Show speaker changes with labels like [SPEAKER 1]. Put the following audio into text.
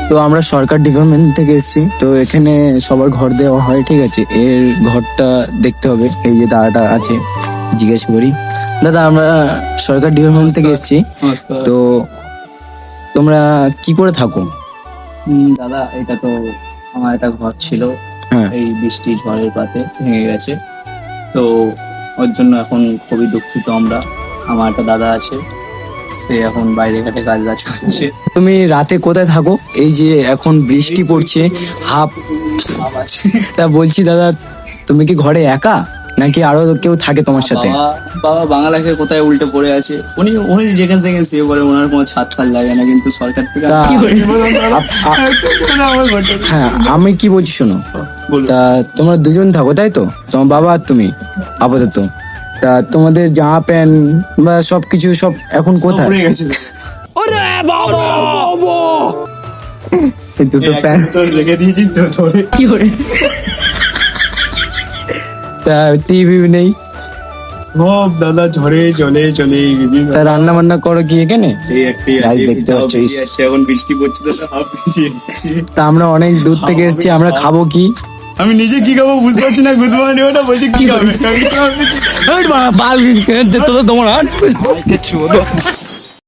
[SPEAKER 1] তো আমরা সরকার ডিপার্টমেন্ট থেকে এসেছি, তো এখানে সবার ঘর দেওয়া হয়, ঠিক আছে। এর ঘরটা দেখতে হবে, এই যে দাদাটা আছে, জিজ্ঞেস করি। দাদা, আমরা সরকার ডিপার্টমেন্ট থেকে এসেছি, তো তোমরা কি করে থাকো?
[SPEAKER 2] দাদা, এটা তো আমার একটা ঘর ছিল,
[SPEAKER 1] হ্যাঁ।
[SPEAKER 2] এই বৃষ্টি ঝড়ের পাতে ভেঙে গেছে, তো ওর জন্য এখন খুবই দুঃখিত আমরা। আমার একটা দাদা আছে, সে এখন বাইরে ঘাটে কাজ বাজ করছে।
[SPEAKER 1] তুমি রাতে কোথায় থাকো? এই যে এখন বৃষ্টি পড়ছে, হাফ। তা বলছি দাদা, তুমি কি ঘরে একা নাকি আরো কেউ থাকে তোমার সাথে?
[SPEAKER 2] বাবা বাংলাকে কোথায় উল্টে পড়ে আছে, উনি উনি যেখানে সেখানে শুয়ে পড়ে, ওনার কোনো ছাদ ফাল লাগে না, কিন্তু সরকার থেকে
[SPEAKER 1] হ্যাঁ, আমি কি বলছি শোনো, তা তোমরা দুজন থাকো তাই তো, তোমার বাবা আর তুমি আপাতত। তা তোমাদের জামা প্যান্ট বা সবকিছু সব এখন কোথায়?
[SPEAKER 2] পড়ে গেছে।
[SPEAKER 1] এই দুটো প্যান্ট
[SPEAKER 2] রেখে দিয়েছি তো ধরে।
[SPEAKER 1] তা টিভি নেই,
[SPEAKER 2] সব দাদা ঝড়ে জলে চলে গেছে।
[SPEAKER 1] তা রান্না বান্না করো কি এখানে?
[SPEAKER 2] গাছ
[SPEAKER 1] দেখতে পাচ্ছ, ইস।
[SPEAKER 2] এখন বৃষ্টি পড়ছে তো হাফ ভিজে যাচ্ছে।
[SPEAKER 1] তা আমরা অনেক দূর থেকে এসেছি, আমরা খাবো কি?
[SPEAKER 2] আমি নিজে কি খাবো বুঝতে পারছি না, গুদমানি ওটা বলছে কি খাবে।
[SPEAKER 1] তোমার